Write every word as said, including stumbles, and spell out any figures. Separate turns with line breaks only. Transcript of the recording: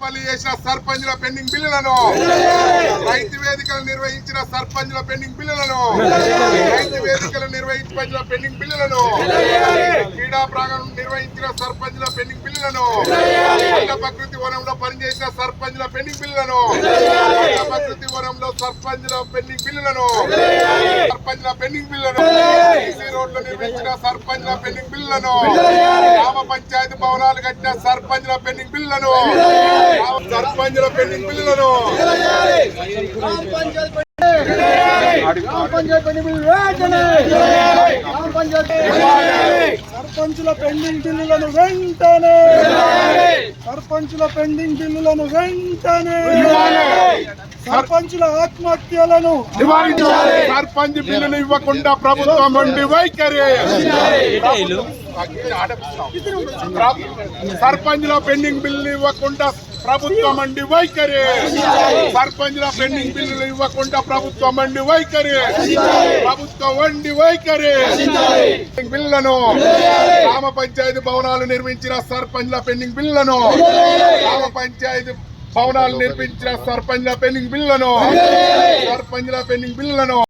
తాడేపల్లి చేసిన సర్పంచ్ల పెండింగ్ బిల్లులను, రైతు వేదికలు నిర్వహించిన సర్పంచ్ల పెండింగ్ బిల్లులను, రైతు వేదికలు నిర్వహించిన పెండింగ్ బిల్లులను, క్రీడా ప్రాంగణం నిర్వహించిన సర్పంచ్ల పెండింగ్ బిల్లులను, ప్రకృతి వనంలో పనిచేసిన సర్పంచ్ల పెండింగ్ బిల్లులను, ప్రకృతి వనంలో సర్పంచ్ల పెండింగ్ బిల్లులను, సర్పంచ్ల పెండింగ్ బిల్లులను, ఈసీ రోడ్లు నిర్వహించిన సర్పంచ్ల పెండింగ్ బిల్లులను, గ్రామ పంచాయతీ భవనాలు కట్టిన సర్పంచ్ల పెండింగ్ బిల్లులను, సర్పంచ్ల పెండింగ్ బిల్లులను,
సర్పంచుల పెండింగ్ బిల్లులను వెంటనే సర్పంచుల పెండింగ్ బిల్లులను వెంటనే సర్పంచుల ఆత్మహత్యలను
నివారించాలి. సర్పంచ్ బిల్లులు ఇవ్వకుండా ప్రభుత్వం నుండి వైఖరి, సర్పంచ్ల పెండింగ్ బిల్లులు ఇవ్వకుండా ప్రభుత్వం అండి వైఖరి, సర్పంచ్ల పెండింగ్ బిల్లులు ఇవ్వకుండా ప్రభుత్వం అండి వైఖరి, ప్రభుత్వం వండి వైఖరి. బిల్లులను, గ్రామ పంచాయతీ భవనాలు నిర్మించిన సర్పంచ్ల పెండింగ్ బిల్లులను, గ్రామ పంచాయతీ భవనాలు నిర్మించిన సర్పంచ్ల పెండింగ్ బిల్లులను, సర్పంచ్ల పెండింగ్ బిల్లులను